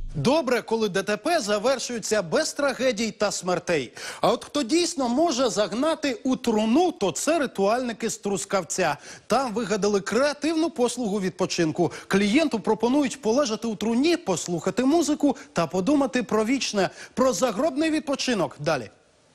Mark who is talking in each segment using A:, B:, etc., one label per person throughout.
A: Добре, коли ДТП завершується без трагедій та смертей. А от хто дійсно може загнати у труну, то це ритуальники з Трускавця. Там вигадали креативну послугу відпочинку. Клієнту пропонують полежати у труні, послухати музику та подумати про вічне, про загробний відпочинок. Далі.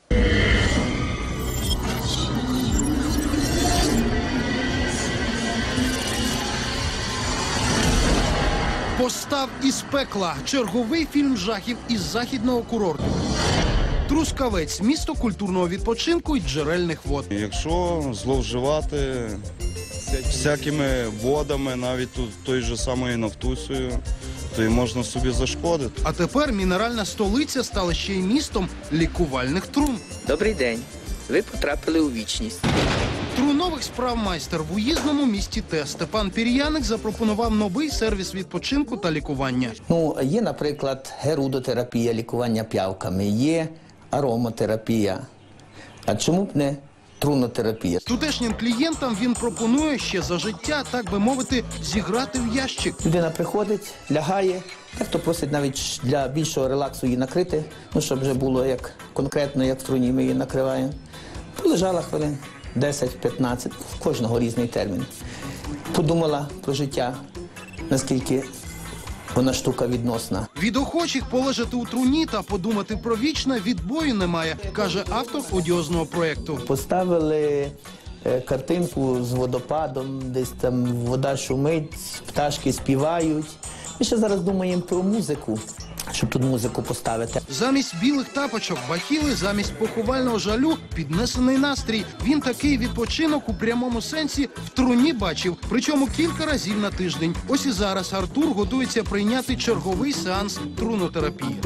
A: Постав із пекла. Черговий фільм жахів із західного курорту. Трускавець – місто культурного відпочинку і джерельних вод.
B: Якщо зловживати всякими водами, навіть той же самою Нафтусею, то і можна собі зашкодити.
A: А тепер мінеральна столиця стала ще й містом лікувальних трун.
C: Добрий день. Ви потрапили у вічність.
A: Трунових справ майстер в уїзному місті Те. Степан Пір'яник запропонував новий сервіс відпочинку та лікування.
D: Є, наприклад, герудотерапія, лікування п'явками, є ароматерапія. А чому б не трунотерапія?
A: Тутешнім клієнтам він пропонує ще за життя, так би мовити, зіграти в ящик.
D: Людина приходить, лягає, дехто просить навіть для більшого релаксу її накрити, щоб вже було конкретно, як в труні ми її накриваємо. Полежала хвилин 10-15, в кожного різний термін. Подумала про життя, наскільки вона штука відносна.
A: Від охочих полежати у труні та подумати про вічне відбою немає, каже автор одіозного проєкту.
D: Поставили картинку з водопадом, десь там вода шумить, пташки співають. Ми ще зараз думаємо про музику, щоб тут музику поставити.
A: Замість білих тапочок, бахіли, замість поховального жалю – піднесений настрій. Він такий відпочинок у прямому сенсі в труні бачив, причому кілька разів на тиждень. Ось і зараз Артур готується прийняти черговий сеанс трунотерапії.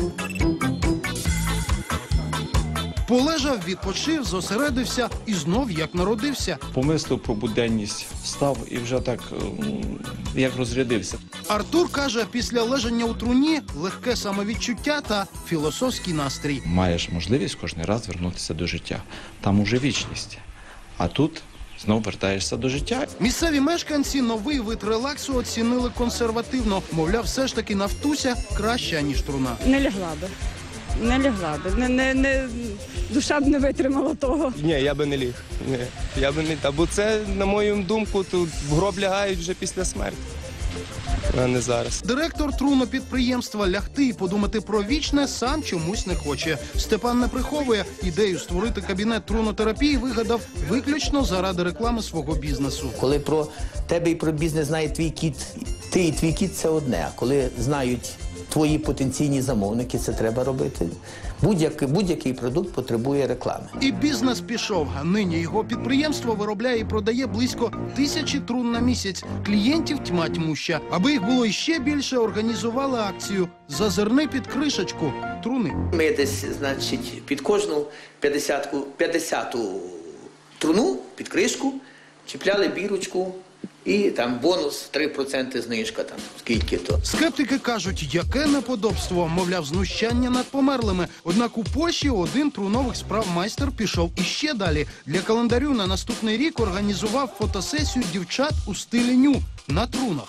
A: Полежав, відпочив, зосередився і знов як народився.
E: Помислив про буденність, встав і вже так, як розрядився.
A: Артур каже, після лежання у труні легке самовідчуття та філософський настрій.
E: Маєш можливість кожен раз вернутися до життя. Там уже вічність. А тут знов вертаєшся до життя.
A: Місцеві мешканці новий вид релаксу оцінили консервативно. Мовляв, все ж таки Нафтуся краща, ніж труна.
F: Не лягла би. Не лягла би. Душа б не витримала того.
G: Ні, я би не ліг. Ні, я би не та, бо це, на мою думку, тут в гроб лягають вже після смерті, а не зараз.
A: Директор трунопідприємства лягти і подумати про вічне сам чомусь не хоче. Степан не приховує, ідею створити кабінет трунотерапії вигадав виключно заради реклами свого бізнесу.
D: Коли про тебе і про бізнес знає твій кіт, ти і твій кіт – це одне. А коли знають твої потенційні замовники, це треба робити. Будь-який продукт потребує реклами.
A: І бізнес пішов. Нині його підприємство виробляє і продає близько 1000 трун на місяць. Клієнтів тьма тьмуща. Аби їх було іще більше, організували акцію «Зазирни під кришечку» труни.
D: Ми десь, під кожну 50-ту труну, під кришку, чіпляли бірочку. І там бонус 3% знижка, там скільки-то.
A: Скептики кажуть, яке неподобство, мовляв, знущання над померлими. Однак у Польщі один трунових справ майстер пішов іще далі. Для календарю на наступний рік організував фотосесію дівчат у стилі ню на трунах.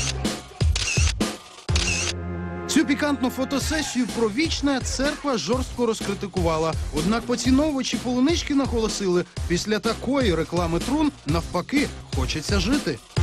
A: Цю пікантну фотосесію про вічне церква жорстко розкритикувала. Однак поціновувачі полунички наголосили, після такої реклами трун, навпаки, хочеться жити.